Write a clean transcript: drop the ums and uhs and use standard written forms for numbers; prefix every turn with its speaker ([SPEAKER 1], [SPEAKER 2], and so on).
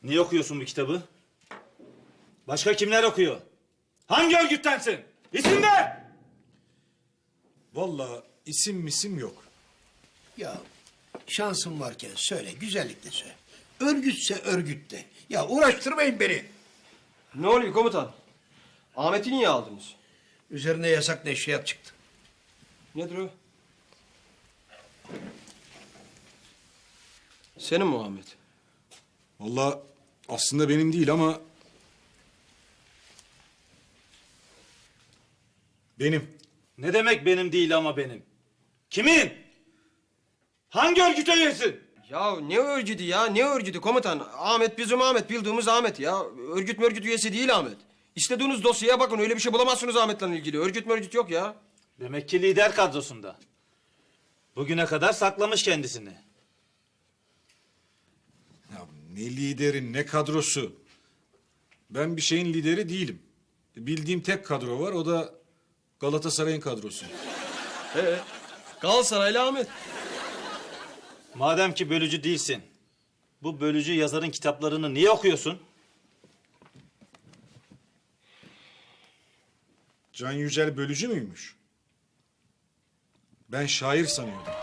[SPEAKER 1] Niye okuyorsun bu kitabı? Başka kimler okuyor? Hangi örgüttensin? İsim ver!
[SPEAKER 2] Vallahi isim yok.
[SPEAKER 3] Ya şansım varken söyle, güzellikle söyle. Örgütse örgüt de. Ya uğraştırmayın beni.
[SPEAKER 4] Ne oluyor komutan? Ahmet'i niye aldınız?
[SPEAKER 3] Üzerine yasak neşriyat çıktı.
[SPEAKER 4] Nedir o? Senin mi Ahmet?
[SPEAKER 2] Vallahi aslında benim değil ama... Benim.
[SPEAKER 1] Ne demek benim değil ama benim? Kimin? Hangi örgüte üyesin?
[SPEAKER 4] Ya ne örgütü ya? Ne örgütü komutan? Ahmet bizim Ahmet, bildiğimiz Ahmet ya. Örgüt üyesi değil Ahmet. İstediğiniz dosyaya bakın, öyle bir şey bulamazsınız Ahmet'le ilgili. Örgüt yok ya.
[SPEAKER 1] Demek ki lider kadrosunda. Bugüne kadar saklamış kendisini.
[SPEAKER 2] Ya ne lideri ne kadrosu. Ben bir şeyin lideri değilim. Bildiğim tek kadro var, o da Galatasaray'ın kadrosu.
[SPEAKER 4] Galatasaraylı Ahmet.
[SPEAKER 1] Madem ki bölücü değilsin, bu bölücü yazarın kitaplarını niye okuyorsun?
[SPEAKER 2] Can Yücel bölücü müymüş? Ben şair sanıyordum.